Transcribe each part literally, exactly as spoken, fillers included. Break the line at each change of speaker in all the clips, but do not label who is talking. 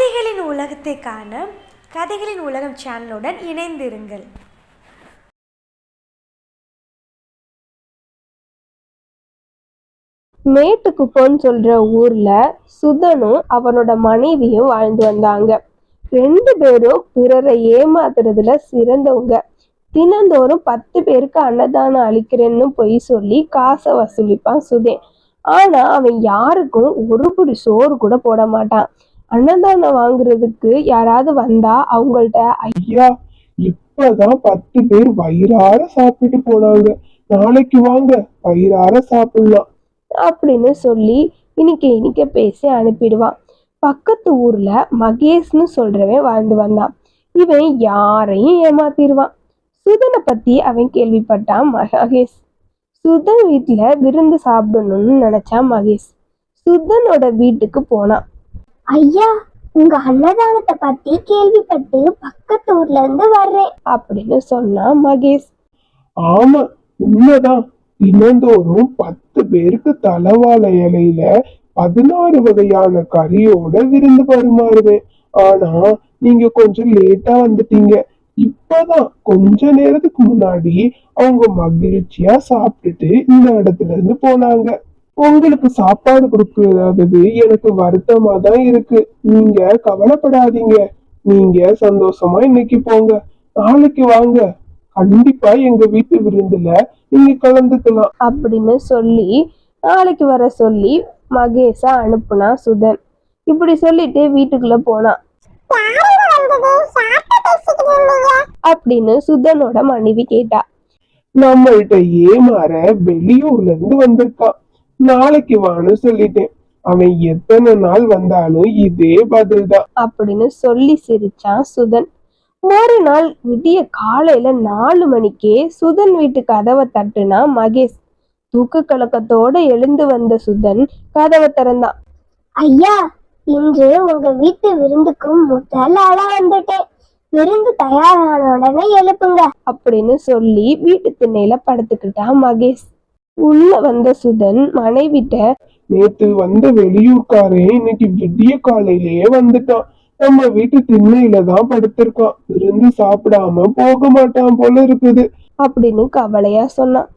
கதைகளின் உலகத்தை காண கதைகளின் உலகம் சேனலுடன் இணைந்திருங்கள்.
மேட்டுக்குப்போன்னு சொல்ற ஊர்ல சுதனும் அவனோட மனைவியும் வாழ்ந்து வந்தாங்க. ரெண்டு பேரும் பிறரை ஏமாத்துறதுல சிறந்தவங்க. தினந்தோறும் பத்து பேருக்கு அன்னதானம் அளிக்கிறேன்னு பொய் சொல்லி காசை வசூலிப்பான் சுதன். ஆனா அவன் யாருக்கும் ஒரு புடி சோறு கூட போட மாட்டான். அன்னதானம் வாங்குறதுக்கு யாராவது வந்தா அவங்கள்ட்ட,
ஐயா இப்பதான் பத்து பேர் வயிறார சாப்பிட்டு போனாங்க, நாளைக்கு வாங்க வயிறார சாப்பிடலாம்
அப்படின்னு சொல்லி இனிக்க இனிக்க பேசி அனுப்பிடுவான். பக்கத்து ஊர்ல மகேஷ்னு சொல்றவன் வாழ்ந்து வந்தான். இவன் யாரையும் ஏமாத்திடுவான். சுதனை பத்தி அவன் கேள்விப்பட்டான் மகேஷ். சுதன் வீட்டுல விருந்து சாப்பிடணும்னு நினைச்சான் மகேஷ். சுதனோட வீட்டுக்கு போனான்.
ஐயா, உங்க அன்னதானத்தை பத்தி கேள்விப்பட்டு பக்கத்து ஊர்ல இருந்து வர்றேன்
அப்படின்னு சொன்னான் மகேஷ்.
ஆமா, உண்மைதான். தினந்தோறும் பத்து பேருக்கு தலவாழை இலையில பதினாறு வகையான கறியோட விருந்து பரிமாறுவேன். ஆனா நீங்க கொஞ்சம் லேட்டா வந்துட்டீங்க. இப்பதான் கொஞ்ச நேரத்துக்கு முன்னாடி அவங்க மகிழ்ச்சியா சாப்பிட்டுட்டு இந்த இடத்துல இருந்து போனாங்க. உங்களுக்கு சாப்பாடு கொடுக்கறது எனக்கு வருத்தமா தான் இருக்கு. நீங்க கவலைப்படாதீங்க, நீங்க சந்தோஷமா இன்னைக்கு போங்க, நாளைக்கு வாங்க, கண்டிப்பா எங்க வீட்டு விருந்துல நீங்க கலந்துக்கலாம்
அப்படின்னு சொல்லி நாளைக்கு வர சொல்லி மகேஷ அனுப்புனா சுதன். இப்படி சொல்லிட்டு வீட்டுக்குள்ள போனான். அப்படின்னு சுதனோட மனைவி கேட்டா.
நம்மள்கிட்ட ஏமாற வெளியூர்ல இருந்து வந்திருக்கான், நாளைக்கு வான்னு சொல்லிட்டேன். அவன் எத்தனை நாள் வந்தாலும் இதே பதில் தான்
அப்படின்னு சொல்லி சிரிச்சான் சுதன். மறுநாள் விடிய காலையில நாலு மணிக்கே சுதன் வீட்டு கதவை தட்டுனா மகேஷ். தூக்க கலக்கத்தோட எழுந்து வந்த சுதன் கதவை திறந்தான்.
ஐயா, இன்று உங்க வீட்டு விருந்துக்கு முதல் ஆளா வந்துட்டேன். விருந்து தயாரான உடனே எழுப்புங்க
அப்படின்னு சொல்லி வீட்டு திண்ணையில படுத்துக்கிட்டான் மகேஷ். உள்ள வந்த சுதன் மனைவிட்ட,
நேத்து வந்த வெளியூர்காரன் இன்னைக்கு விடிய காலையிலேயே வந்துட்டான். நம்ம வீட்டு திண்ணையில தான் படுத்திருக்கான். விருந்து சாப்பிடாம போக மாட்டான் போல இருக்குது
அப்படின்னு கவலையா சொன்னான்.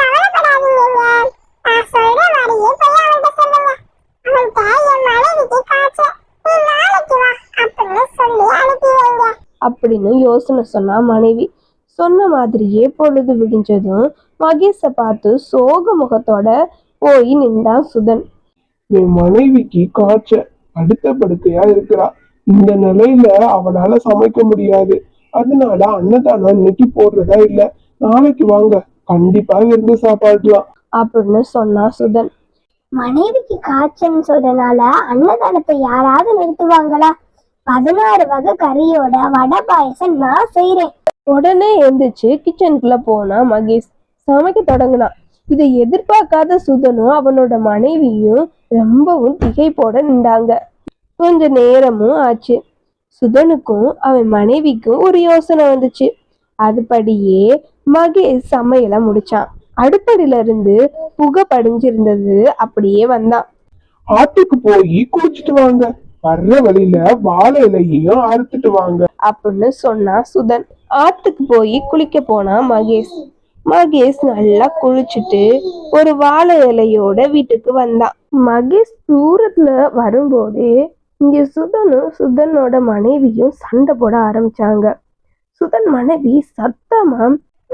அப்படின்னு யோசனை சொன்னா மனைவி. சொன்ன மாதிரியே பொழுது விடிஞ்சதும் மகேஷ பார்த்து சோக முகத்தோட போய் நின்றான் சுதன்.
என் மனைவிக்கு காய்ச்ச அடுத்த படுக்கையா இருக்கிறா. இந்த நிலையில அவளால சமைக்க முடியாது. அதனால அன்னதானம் இன்னைக்கு போடுறதா இல்ல, நாளைக்கு வாங்க, கண்டிப்பா விருந்து சாப்பாடலாம்
அப்படின்னு சொன்னா சுதன்.
மனைவிக்கு காய்ச்சல்னு சொல்றதுனால அன்னதானத்தை யாராவது நிறுத்துவாங்களா? பதினாறு வகை கறியோட வடை பாயசம் நான் செய்யறேன்.
உடனே எந்திரிச்சு கிச்சனுக்குள்ள போனா மகேஷ். சமைக்க தொடங்கினான். இதை எதிர்பார்க்காத சுதனும் அவனோட மனைவியும் ரொம்பவும் திகைப்போட நின்றாங்க. கொஞ்ச நேரமும் ஆச்சு. சுதனுக்கும் அவன் மனைவிக்கும் ஒரு யோசனை வந்துச்சு. அதுபடியே மகேஷ் சமையலை முடிச்சான். அடுப்படியில இருந்து புகை படிஞ்சிருந்தது அப்படியே வந்தான்.
ஆட்டுக்கு போய் குளிச்சுட்டு வாங்க, வர்ற வழியில வாழை இலையையும் அறுத்துட்டு வாங்க
அப்படின்னு சொன்னா சுதன். ஆத்துக்கு போய் குளிக்க போனா மகேஷ். மகேஷ் நல்லா குளிச்சுட்டு ஒரு வாழை இலையோட வீட்டுக்கு வந்தான். மகேஷ் தூரத்துல வரும்போதே இங்க சுதனும் சுதனோட மனைவியும் சண்டை போட ஆரம்பிச்சாங்க. சுதன் மனைவி சத்தமா,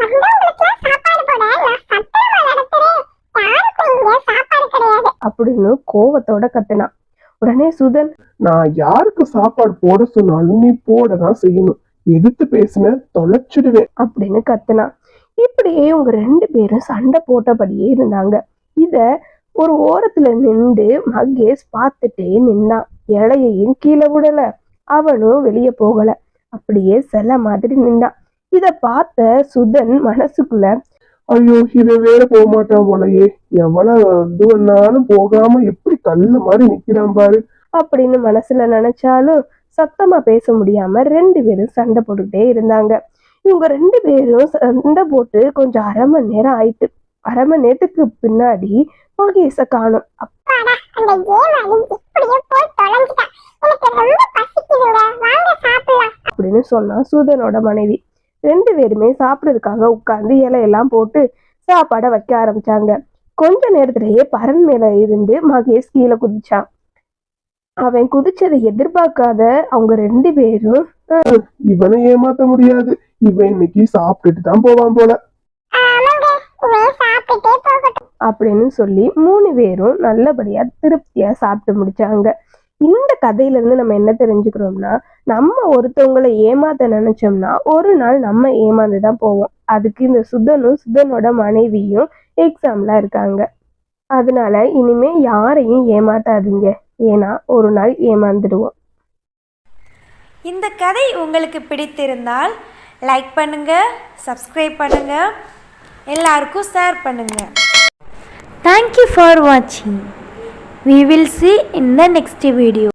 அப்படின்னு கோவத்தோட கத்துனான். உடனே சுதன்,
நான் யாருக்கு சாப்பாடு போட சொன்னாலும் நீ போடதான் செய்யணும், எதிர்த்து பேசின தொலைச்சிடுவேன்
அப்படின்னு கத்துனான். இப்படியே இவங்க ரெண்டு பேரும் சண்டை போட்டபடியே இருந்தாங்க. இத ஒரு ஓரத்துல நின்று மகேஷ் பார்த்துட்டே நின்னான். இலையையும் கீழே விடல, அவனும் வெளியே போகல, அப்படியே சில மாதிரி நின்னான். இத பார்த்த சுதன் மனசுக்குள்ள,
ஐயோ இவன் வேற போக மாட்டான் போலயே, எவ்வளவு இது பண்ணாலும் போகாம எப்படி கல்லு மாதிரி நிக்கிறான் பாரு
அப்படின்னு மனசுல நினைச்சாலும் சத்தமா பேச முடியாம ரெண்டு பேரும் சண்டை போட்டுக்கிட்டே இருந்தாங்க. இவங்க ரெண்டு பேரும் சண்டை போட்டு கொஞ்சம் அரை மணி நேரம் ஆயிட்டு. அரை மணி நேரத்துக்கு பின்னாடி மகேஷ காணும்.
எனக்கு ரொம்ப பசிக்குது.
அப்படின்னு சொன்னா சூதனோட மனைவி. ரெண்டு பேருமே சாப்பிட்றதுக்காக உட்கார்ந்து இலையெல்லாம் போட்டு சாப்பாடை வைக்க ஆரம்பிச்சாங்க. கொஞ்ச நேரத்திலேயே பரன் மேல இருந்து மகேஷ் கீழே குதிச்சான். அவன் குதிச்சதை எதிர்பார்க்காத அவங்க ரெண்டு பேரும்
இவனை ஏமாத்த முடியாது, இவன் இன்னைக்கு சாப்பிட்டுட்டு தான் போவான் போல
அப்படின்னு சொல்லி மூணு பேரும் நல்லபடியா திருப்தியா சாப்பிட்டு முடிச்சாங்க. இந்த கதையில இருந்து நம்ம என்ன தெரிஞ்சுக்கிறோம்னா, நம்ம ஒருத்தவங்களை ஏமாத்த நினைச்சோம்னா ஒரு நாள் நம்ம ஏமாந்துதான் போவோம். அதுக்கு இந்த சுதனும் சுதனோட மனைவியும் எக்ஸாம்ல இருக்காங்க. அதனால இனிமே யாரையும் ஏமாத்தாதீங்க, ஏன்னா ஒரு நாள் ஏமாந்துடுவோம்.
இந்த கதை உங்களுக்கு பிடித்திருந்தால் லைக் பண்ணுங்கள், சப்ஸ்கிரைப் பண்ணுங்கள், எல்லாருக்கும் ஷேர் பண்ணுங்கள். தேங்க்யூ ஃபார் வாட்சிங். We will see in the next video.